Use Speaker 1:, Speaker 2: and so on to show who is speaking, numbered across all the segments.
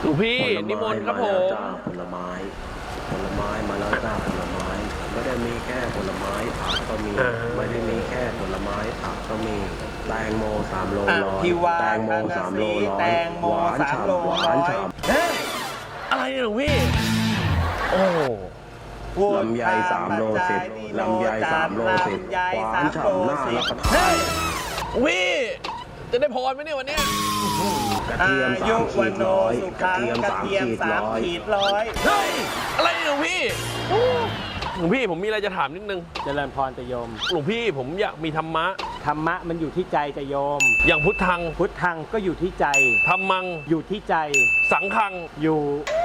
Speaker 1: หลวงพี่นิมนต์ครับผม
Speaker 2: ผลไม้มาแล้วจ้าผลไม้ไม่ได้มีแค่ผลไม้ผักก็มีไม่ได้มีแค่ผลไม้ผักก็มีแตงโม3 โลร้อย
Speaker 3: พี่ว่า
Speaker 2: แตงโม3 โลร้อย
Speaker 3: แตงโม
Speaker 2: หวาน
Speaker 3: 3 โล
Speaker 2: ฉ่ำหวา
Speaker 3: ร้อน ย
Speaker 2: ฉ่
Speaker 1: อะไรเนี่ยหลวงพี่ โอ้
Speaker 2: ำลำไย3 โล 10ลำไย3 โล 10หวานฉ่ำน่ารับประทาน
Speaker 1: หลวงพี่ จะได้พรไหมเนี่ยวันเนี้ย
Speaker 2: กระเทียม
Speaker 3: อายุ
Speaker 2: 3
Speaker 3: วั
Speaker 2: ขี
Speaker 3: น
Speaker 2: ด
Speaker 3: โน
Speaker 2: ร้อย
Speaker 3: สุ
Speaker 2: กระ
Speaker 3: ขัง
Speaker 2: เทียม
Speaker 3: กระ
Speaker 2: 3
Speaker 3: เทียม
Speaker 2: ขีดร้อย
Speaker 3: 3 ขีดร้อย
Speaker 1: เฮ้ย อะไรเนี่ยหลวงพี่หลวงพี่ผมมีอะไรจะถามนิดนึง
Speaker 4: เจริญพรจะโยม
Speaker 1: หลวงพี่ผมอยากมีธรรมะ
Speaker 4: ธรรมะมันอยู่ที่ใจจะโยม
Speaker 1: อย่างพุทธัง
Speaker 4: พุทธังก็อยู่ที่ใจ
Speaker 1: ธรรมัง
Speaker 4: อยู่ที่ใจ
Speaker 1: สังฆัง
Speaker 4: อยู่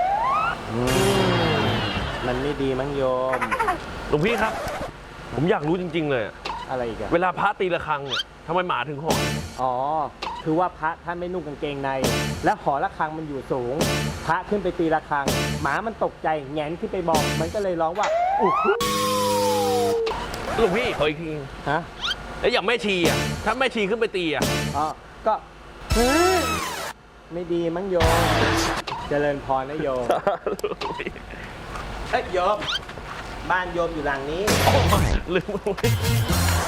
Speaker 4: มันไม่ดีมั้งโยม
Speaker 1: หลวงพี่ครับ ผมอยากรู้จริง ๆ เลยอะ
Speaker 4: อะไรอีกอะ
Speaker 1: เวลาพระตีระฆังเนี่ยทำไมหมาถึงหอน
Speaker 4: อ๋อ คือว่าพระท่านไม่นุ่งกางเกงใน และหอระฆังมันอยู่สูง พระขึ้นไปตีระฆัง หมามันตกใจแงนขึ้นไปมองมันก็เลยร้องว่าอุ๊ย
Speaker 1: หลวงพี่ขออีกที
Speaker 4: ฮะ
Speaker 1: แล้วอย่างแม่ชีอ่ะถ้าแม่ชีขึ้นไปตีอ่ะ
Speaker 4: อ๋อก็เฮ้ยไม่ดีมั้งโยม เจริญพรนะโยม
Speaker 3: เอ้ยโยม บ้านโยมอยู่หลังนี้
Speaker 1: โอ้ไม่ลืม